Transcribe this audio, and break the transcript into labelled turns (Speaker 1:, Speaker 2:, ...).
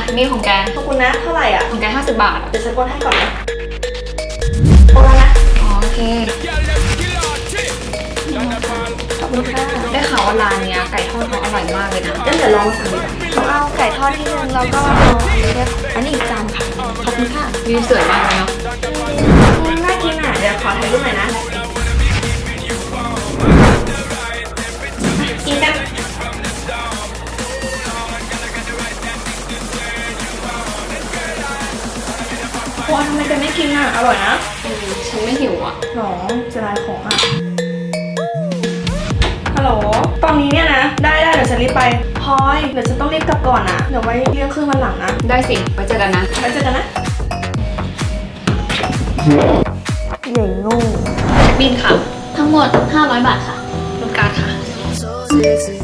Speaker 1: นี่ของแก
Speaker 2: ขอบคุณนะเท่าไหร่อ่ะ
Speaker 1: ของแก50 บาท
Speaker 2: เดี๋ยวฉันกดให้ก่อนนะโอนแล้วนะ
Speaker 1: อ๋อโอเค
Speaker 2: ขอบคุณค่ะ
Speaker 1: ได้ข่าวว่าร้านเนี้ยไก่ทอดเขาอร่อยมากเลยนะ
Speaker 2: งั้นเดี๋ยวลองสั่งดีกว่าเอาไก่ทอดที่นึงแล้วก็อันนี้อีกจานค่ะขอบคุณค่ะ
Speaker 1: วิวสวยมากเลยเนาะ
Speaker 2: น่ากินอ่ะเดี๋ยวขอถ่ายรูปหน่อยนะกินกันว้าทำไมกันไม่กินอ่ะอร่อยนะ
Speaker 1: ฉันไม่หิวอ่ะ
Speaker 2: หรอจะลายของอ่ะฮัลโหลตอนนี้เนี่ยนะได้เดี๋ยวฉันรีบไปพลอยเดี๋ยวฉันต้องรีบกลับก่อนนะเดี๋ยวไว้เรื่องครึ่งวันหลังนะ
Speaker 1: ได้สิไว้เจอกันนะ
Speaker 2: ไว้เจอกันนะใหญ่งู
Speaker 1: บินค่ะ
Speaker 3: ทั้งหมด500 บาทค่ะ
Speaker 1: รูปการ์ดค่ะ